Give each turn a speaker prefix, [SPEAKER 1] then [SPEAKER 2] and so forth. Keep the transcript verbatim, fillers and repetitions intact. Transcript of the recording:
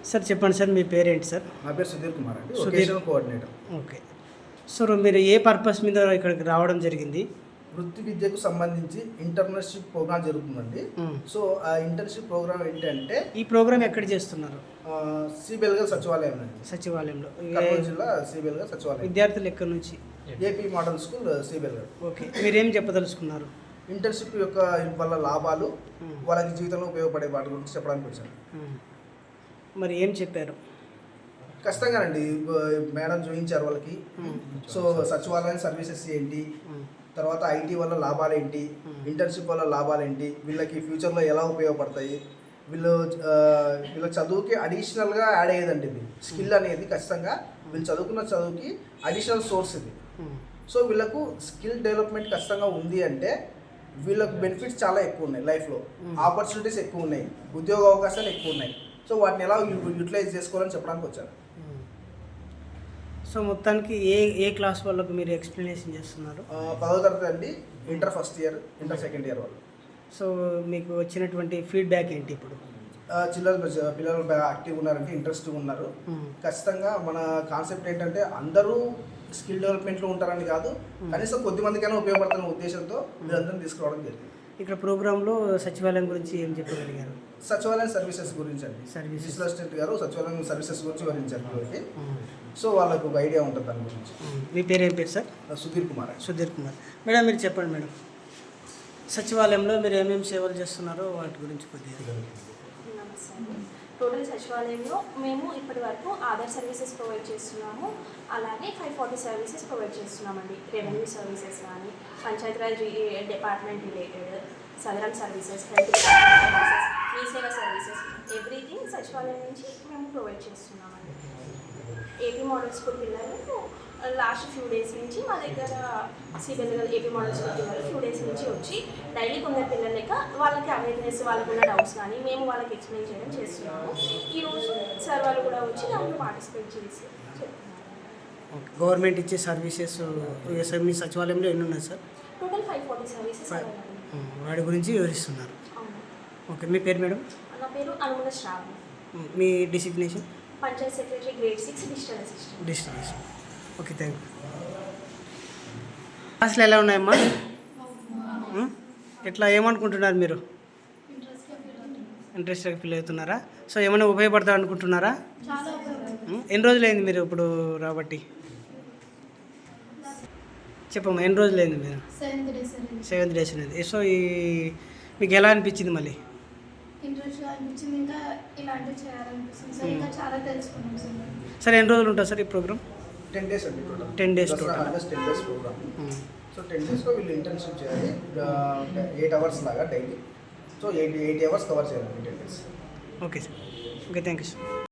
[SPEAKER 1] Sir చెప్పండి sir, మీ పేరేంటి sir?
[SPEAKER 2] నా పేరు సుధీర్ కుమార్ అండి,
[SPEAKER 1] Sudheer
[SPEAKER 2] vocational coordinator.
[SPEAKER 1] Okay sir, మీరు ఏ పర్పస్ మీద ఇక్కడికి రావడం జరిగింది?
[SPEAKER 2] వృత్తి విద్యకు సంబంధించి ఇంటర్న్షిప్ ప్రోగ్రామ్ జరుగుతుందండి. సో ఆ ఇంటర్న్షిప్ ప్రోగ్రామ్ ఏంటంటే,
[SPEAKER 1] ఈ ప్రోగ్రామ్ ఎక్కడ చేస్తున్నారు?
[SPEAKER 2] సిబిఎల్గా సచివాలయం అండి,
[SPEAKER 1] సచివాలయంలో.
[SPEAKER 2] కర్నూలు జిల్లా సిబిఎల్గా సచివాలయం.
[SPEAKER 1] విద్యార్థులు ఎక్కడి నుంచి?
[SPEAKER 2] ఏపీ మోడల్ స్కూల్ సిబిఎల్గా.
[SPEAKER 1] ఓకే, మీరేం చెప్పదలుచుకున్నారు?
[SPEAKER 2] ఇంటర్న్షిప్ యొక్క వల్ల లాభాలు, వాళ్ళకి జీవితంలో ఉపయోగపడే వాటి గురించి చెప్పడానికి వచ్చాను.
[SPEAKER 1] మరి ఏం చెప్పారు?
[SPEAKER 2] ఖచ్చితంగానండి, మేడం చూపించారు వాళ్ళకి. సో సచివాలయం సర్వీసెస్ ఏంటి, తర్వాత ఐటీ వల్ల లాభాలు ఏంటి, ఇంటర్న్షిప్ వల్ల లాభాలు ఏంటి, వీళ్ళకి ఫ్యూచర్లో ఎలా ఉపయోగపడతాయి, వీళ్ళు వీళ్ళ చదువుకి అడిషనల్గా యాడ్ అయ్యేదండి. ఇది స్కిల్ అనేది ఖచ్చితంగా వీళ్ళు చదువుకున్న చదువుకి అడిషనల్ సోర్స్ ఇది. సో వీళ్ళకు స్కిల్ డెవలప్మెంట్ ఖచ్చితంగా ఉంది అంటే వీళ్ళకు బెనిఫిట్స్ చాలా ఎక్కువ ఉన్నాయి, లైఫ్లో ఆపర్చునిటీస్ ఎక్కువ ఉన్నాయి, ఉద్యోగ అవకాశాలు ఎక్కువ ఉన్నాయి. సో వాటిని ఎలా యూటిలైజ్ చేసుకోవాలని చెప్పడానికి వచ్చాను.
[SPEAKER 1] సో మొత్తానికి ఏ ఏ క్లాస్ వాళ్ళకు మీరు ఎక్స్ప్లెనేషన్ చేస్తున్నారు?
[SPEAKER 2] పదో తరగతి అండి, inter first year, inter second year వాళ్ళు.
[SPEAKER 1] సో మీకు వచ్చినటువంటి ఫీడ్బ్యాక్ ఏంటి ఇప్పుడు?
[SPEAKER 2] చిల్లర పిల్లలు యాక్టివ్గా ఉన్నారంటే, ఇంట్రెస్ట్గా ఉన్నారు. ఖచ్చితంగా మన కాన్సెప్ట్ ఏంటంటే అందరూ స్కిల్ డెవలప్మెంట్లో ఉంటారని కాదు, కనీసం కొద్ది మందికైనా ఉపయోగపడుతున్న ఉద్దేశంతో మీరందరినీ తీసుకురావడం జరిగింది.
[SPEAKER 1] ఇక్కడ ప్రోగ్రాంలో సచివాలయం గురించి ఏం చెప్పగలిగారు?
[SPEAKER 2] సచివాలయం సర్వీసెస్ గురించి అండి,
[SPEAKER 1] సర్వీసెస్
[SPEAKER 2] అసిస్టెంట్ గారు సచివాలయం సర్వీసెస్ గురించి వివరించారు కాబట్టి, సో వాళ్ళకు ఒక ఐడియా ఉంటుంది దాని గురించి.
[SPEAKER 1] మీ పేరు ఏం పేరు సార్?
[SPEAKER 2] సుధీర్ కుమార్.
[SPEAKER 1] సుధీర్ కుమార్. మేడం మీరు చెప్పండి మేడం, సచివాలయంలో మీరు ఏమేమి సేవలు చేస్తున్నారో వాటి గురించి కొద్దిగా.
[SPEAKER 3] టోటల్ సచివాలయంలో మేము ఇప్పటి వరకు ఆధార్ సర్వీసెస్ ప్రొవైడ్ చేస్తున్నాము, అలాగే ఫైవ్ ఫార్టీ సర్వీసెస్ ప్రొవైడ్ చేస్తున్నామండి. రెవెన్యూ సర్వీసెస్ కానీ, పంచాయతీరాజ్ డిపార్ట్మెంట్ రిలేటెడ్, సదరన్ సర్వీసెస్, హెల్త్ సర్వీసెస్, మీ సేవ సర్వీసెస్, ఎవ్రీథింగ్ సచివాలయం నుంచి మేము ప్రొవైడ్ చేస్తున్నామండి. ఏపీ మోడల్ స్కూల్ పిల్లలు లాస్ట్ ఫ్యూ డేస్ నుంచి మా దగ్గర సిబిఎల్ ఏపీ మోడల్ స్కూల్ పిల్లలు ఫ్యూ డేస్ నుంచి వచ్చి డైలీ కొందరు పిల్లలు లెక్క వాళ్ళకి అవేర్నెస్, వాళ్ళకు ఉన్న డౌట్స్ కానీ మేము వాళ్ళకి ఎక్స్ప్లెయిన్ చేయడం చేస్తున్నాము. ఈరోజు సార్ వాళ్ళు కూడా వచ్చి దాంట్లో పార్టిసిపేట్ చేసి చెప్తున్నారు.
[SPEAKER 1] గవర్నమెంట్ ఇచ్చే సర్వీసెస్ మీ సచివాలయంలో ఎన్ని ఉన్నాయి sir?
[SPEAKER 3] Total five forty services
[SPEAKER 1] వాటి గురించి వివరిస్తున్నారు. ఓకే, మీ పేరు మేడం?
[SPEAKER 3] నా పేరు అనుముల శ్రావణి.
[SPEAKER 1] మీ designation?
[SPEAKER 3] Panchayat secretary grade six digital assistant.
[SPEAKER 1] Digital assistant. Okay, thank you. క్లాసులు ఎలా ఉన్నాయమ్మా? ఎట్లా ఏమనుకుంటున్నారు మీరు? ఇంట్రెస్ట్గా ఫీల్ అవుతున్నారా? సో ఏమైనా ఉపయోగపడతారు అనుకుంటున్నారా? ఎన్ని రోజులైంది మీరు ఇప్పుడు రాబట్టి? చెప్పమ్మా, ఎన్ని రోజులైంది మీరు? సెవెంత్ డేస్ అనేది. సో ఈ మీకు ఎలా అనిపించింది? మళ్ళీ
[SPEAKER 4] ఇంట్రెస్ట్గా అనిపించింది, ఇంకా ఇలాంటివి చేయాలనిపిస్తుంది సార్, ఇంకా చాలా తెలుసుకున్నాం సార్.
[SPEAKER 1] సార్ ఎన్ని రోజులు ఉంటుంది సార్ ఈ ప్రోగ్రామ్?
[SPEAKER 2] టెన్ డేస్ అండి,
[SPEAKER 1] ten days ten
[SPEAKER 2] days program. So ten డేస్లో వీళ్ళు ఇంటర్న్షిప్ చేయాలి, ఎయిట్ అవర్స్ లాగా daily. So eight eight hours cover చేయాలి ten days.
[SPEAKER 1] Okay sir. Okay, thank you sir.